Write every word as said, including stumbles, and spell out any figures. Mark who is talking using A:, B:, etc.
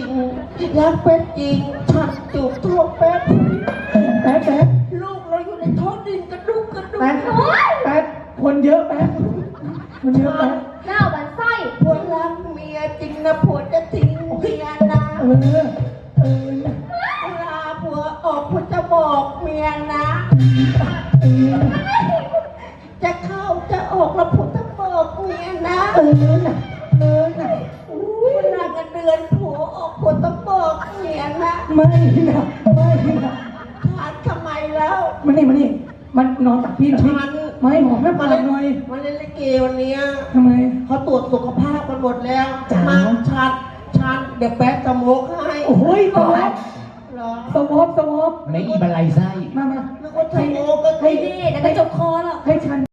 A: งรักเป็ดจริงฉันจูบท้องเป็ดแป๊ดแป๊ดลูกเราอยู่ในท้องดินกระดุกกระดุกแป๊ดแป๊ดคนเยอะแป๊ดคนเยอะแป๊ด
B: หน้าบันไส้
A: ผัวรักเมียจริงนะผัวจะทิ้งเมียนะเออเออเวลาผัวออกผัวจะบอกเมียนะเออจะเข้าจะออกแล้วผัวจะบอกเมียนะเออน่ะเออน่ะเวลากันเดือนผัวออกผัวต้องบอกเมียนะไม่นะไม่นะขาดทำไมแล้วมันนี่มันนี่มันนอนตักพี่หน่อยไม่หอมแม่ปลาหน่อยมันเล่นลิเกวันนี้ทำไมเขาตรวจสุขภาพกันหมดแล้วมาชัดชัดเดี๋ยวแป๊บสโมกให้โอ้ยสวอปสวอปสวอป
C: ไม่อีบันไลไส้
A: มามาแล้วก็สโมกก็ให้
B: นี่เดี๋ยวจะจบคอหรอก
A: ให้ฉัน